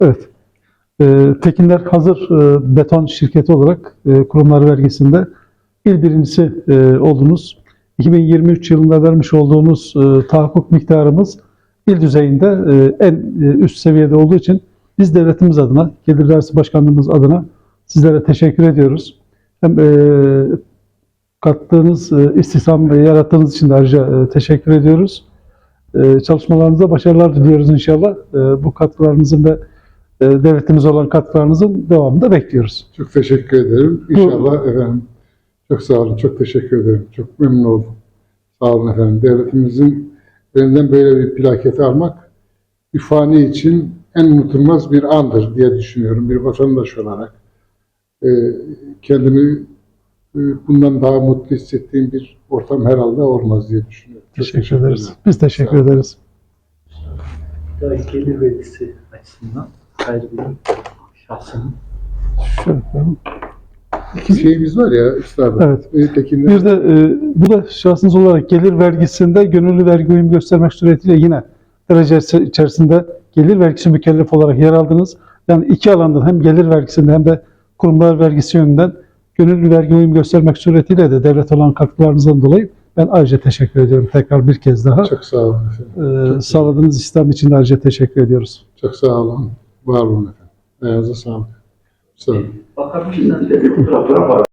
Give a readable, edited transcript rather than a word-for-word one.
Evet. Tekinler Hazır Beton Şirketi olarak kurumlar vergisinde il birincisi oldunuz. 2023 yılında vermiş olduğunuz tahakkuk miktarımız il düzeyinde en üst seviyede olduğu için biz devletimiz adına, Gelir Vergisi Başkanlığımız adına sizlere teşekkür ediyoruz. Hem kattığınız istihdam yarattığınız için de ayrıca teşekkür ediyoruz. Çalışmalarınızda başarılar diliyoruz inşallah. Bu katkılarınızın ve devletimize olan katkılarınızın devamını da bekliyoruz. Çok teşekkür ederim. İnşallah efendim. Çok sağ olun. Çok teşekkür ederim. Çok memnun oldum. Sağ olun efendim. Devletimizin elinden böyle bir plaketi almak bir fani için en unutulmaz bir andır diye düşünüyorum. Bir vatandaş olarak kendimi bundan daha mutlu hissettiğim bir ortam herhalde olmaz diye düşünüyorum. Çok Teşekkür ederiz. Biz teşekkür ederiz. Gelir vergisi açısından ayrı bir şahsının. Şöyle yapalım. İki şeyimiz var ya üstadım. Evet. Tekinler. Bir de bu da şahsınız olarak gelir vergisinde gönüllü vergi uyumu göstermek suretiyle yine derece içerisinde gelir vergisi mükellef olarak yer aldınız. Yani iki alandan hem gelir vergisinde hem de kurumlar vergisi yönünden gönüllü vergi uyumu göstermek suretiyle de devlet olan katkılarınızdan dolayı ben ayrıca teşekkür ediyorum tekrar bir kez daha. Çok sağ olun efendim. Sağladığınız istihdam için de ayrıca teşekkür ediyoruz. Çok sağ olun. Var olun efendim. Ayağınıza sağlık. Sağ olun. Bakabilirsiniz.